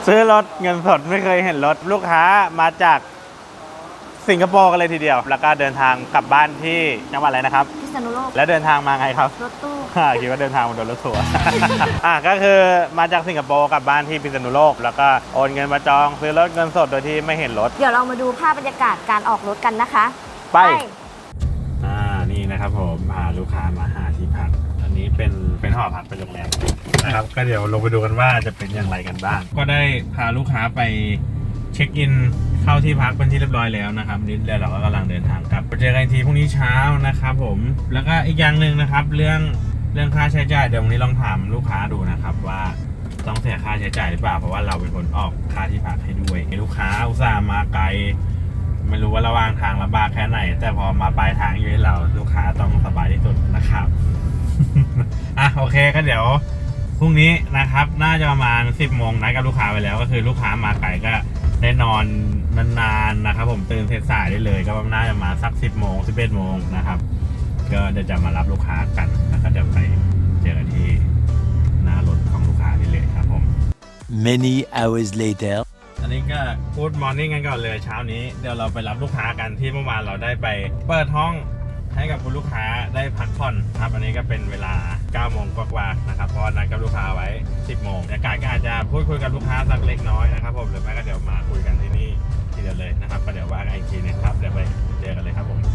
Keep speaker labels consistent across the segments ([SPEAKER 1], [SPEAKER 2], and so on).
[SPEAKER 1] ซื้อรถเงินสดไม่เคยเห็นรถลูกค้ามาจากสิงคโปร์กันเลยทีเดียวแล้วก็เดินทางกลับบ้านที่จังหวัดอะไรนะครับ
[SPEAKER 2] พิษณุโลก
[SPEAKER 1] แล้วเดินทางมาไงครับ
[SPEAKER 2] รถตู้
[SPEAKER 1] คิดว่าเดินทางมาโดนรถทัวร์ ก็คือมาจากสิงคโปร์กลับบ้านที่พิษณุโลกแล้วก็โอนเงินมาจองซื้อรถเงินสดโดยที่ไม่เห็นรถ
[SPEAKER 2] เดี๋ยวเรามาดูภาพบรรยากาศการออกรถกันนะคะ
[SPEAKER 1] ไปนี่นะครับผมพาลูกค้ามาหาที่พักอันนี้เป็นหอพักเป็นโรงแรมนะครับก็เดี๋ยวลงไปดูกันว่าจะเป็นอย่างไรกันบ้างก็ได้พาลูกค้าไปเช็คอินเข้าที่พักเป็นที่เรียบร้อยแล้วนะครับนี่เราก็กำลังเดินทางกลับไปเจอกันทีพรุ่งนี้เช้านะครับผมแล้วก็อีกอย่างหนึ่งนะครับเรื่องค่าใช้จ่ายเดี๋ยววันนี้ลองถามลูกค้าดูนะครับว่าต้องเสียค่าใช้จ่ายหรือเปล่าเพราะว่าเราเป็นคนออกค่าที่พักให้ด้วยลูกค้าอุตส่าห์มาไกลไม่รู้ว่าระหว่างทางลำบากแค่ไหนแต่พอมาปลายทางอยู่ให้เราลูกค้าต้องสบายที่สุดนะครับ โอเคก็เดี๋ยวพรุ่งนี้นะครับน่าจะประมาณ 10 โมงนัดกับลูกค้าไปแล้วก็คือลูกค้ามาไกลก็ได้นอนนานๆนะครับผมตื่นสายได้เลยก็น่าจะมาสัก 10 โมง 11 โมงนะครับก็เดี๋ยวจะมารับลูกค้ากันแล้วก็เดี๋ยวไปเจอกันที่หน้ารถของลูกค้าที่เลยครับผม
[SPEAKER 3] Many hours later
[SPEAKER 1] อันนี้ก็พูดมอร์นิ่งกันก่อนเลยเช้านี้เดี๋ยวเราไปรับลูกค้ากันที่เมื่อวานเราได้ไปเปิดห้องให้กับคุณลูกค้าได้พักผ่อนครับอันนี้ก็เป็นเวลา 9 โมงกว่าๆนะครับเพราะนัดกับลูกค้าไว้ 10 โมงบรรยากาศก็อาจจะพูดคุยกับลูกค้าสักเล็กน้อยนะครับผมหรือไม่ก็เดี๋ยวมาคุยกันที่นี่ทีเดียวเลยนะครับก็เดี๋ยวว่ากันอีกทีนะครับเดี๋ยวไปเจอกันเลยครับผม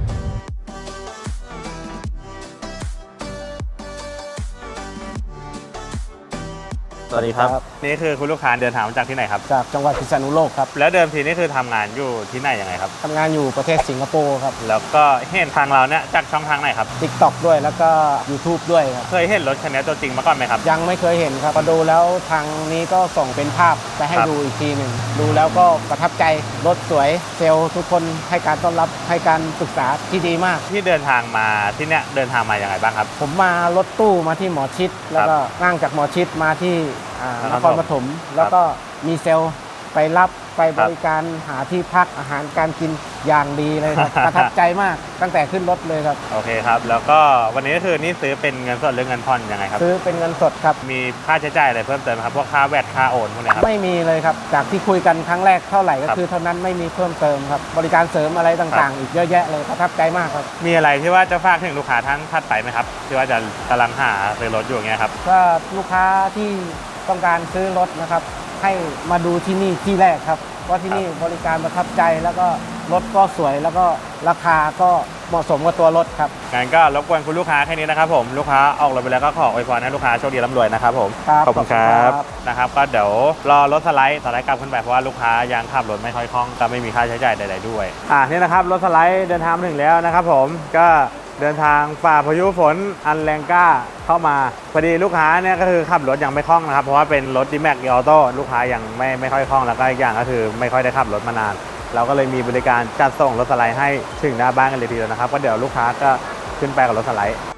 [SPEAKER 1] สวัสดีครับนี่คือคุณลูกค้าเดินทางมาจากที่ไหนครับ
[SPEAKER 4] จากจังหวัดพิษณุโลกครับ
[SPEAKER 1] แล้วเดิมทีนี่คือทำงานอยู่ที่ไหนยังไงครับ
[SPEAKER 4] ทำงานอยู่ประเทศสิงคโปร์ครับ
[SPEAKER 1] แล้วก็เห็นทางเราเนี่ยจากช่องทางไหนครับ
[SPEAKER 4] TikTok ด้วยแล้วก็ YouTube ด้วยครับ
[SPEAKER 1] เคยเห็นรถคันนี้ตัวจริงมาก่อนไหมครับ
[SPEAKER 4] ยังไม่เคยเห็นครับพอดูแล้วทางนี้ก็ส่งเป็นภาพไปให้ดูอีกทีหนึ่งดูแล้วก็ประทับใจรถสวยเซลล์ทุกคนให้การต้อนรับให้การปรึกษาที่ดีมาก
[SPEAKER 1] ที่เดินทางมาที่เนี่ยเดินทางมาอย่างไรบ้างครับ
[SPEAKER 4] ผมมารถตู้มาที่หมอชิดแล้วก็นั่งจากหมอชิดมาที่นครปฐมแล้วก็มีเซลล์ไปรับไปบริการหาที่พักอาหารการกินอย่างดีเลยครับ ประทับใจมากตั้งแต่ขึ้นรถเลยครับ
[SPEAKER 1] โอเคครับแล้วก็วันนี้ก็คือนี่ซื้อเป็นเงินสดหรือเงินผ่อนยังไงครับ
[SPEAKER 4] ซื้อเป็นเงินสดครับ
[SPEAKER 1] มีค่าใช้จ่ายอะไรเพิ่มเติมครับพวกค่าแวดค่าโอนพวกนี้ครับ
[SPEAKER 4] ไม่มีเลยครับจากที่คุยกันครั้งแรกเท่าไหร่ก็คือเท่านั้นไม่มีเพิ่มเติมครับบริการเสริมอะไรต่างๆอีกเยอะแยะเลยประทับใจมากครับ
[SPEAKER 1] มีอะไรที่ว่าจะฝากถึงลูกค้าท่านถัดไปไหมครับที่ว่าจะกำลังหาซื้อรถอยู่อย่างเงี้ยครับ
[SPEAKER 4] ก็ลูกค้าที่ต้องการซื้อรถนะครับให้มาดูที่นี่ที่แรกครับว่าที่นี่บริการประทับใจแล้วก็รถก็สวยแล้วก็ราคาก็เหมาะสมกับตัวรถครับ
[SPEAKER 1] งั้นก็รบกวนคุณลูกค้าแค่นี้นะครับผมลูกค้าออกรถไปแล้วก็ขออวยพรให้ลูกค้าโชคดีร่ำรวยนะครับผมขอบคุณครับนะครับก็เดี๋ยวรอรถสไลด์กลับขึ้นไปเพราะว่าลูกค้ายังขับรถไม่ค่อยคล่องก็ไม่มีค่าใช้จ่ายใดๆด้วยนี่นะครับรถสไลด์เดินทางถึงแล้วนะครับผมก็เดินทางฝ่าพายุฝนอันแรงกล้าเข้ามาพอดีลูกค้าเนี่ยก็คือขับรถยังไม่คล่องนะครับเพราะว่าเป็นรถ D-Max Auto ลูกค้ายังไม่ค่อยคล่องแล้วก็อีกอย่างก็คือไม่ค่อยได้ขับรถมานานเราก็เลยมีบริการจัดส่งรถสไลด์ให้ถึงหน้าบ้านกันเลยทีเดียวนะครับก็เดี๋ยวลูกค้าก็ขึ้นไปกับรถสไลด์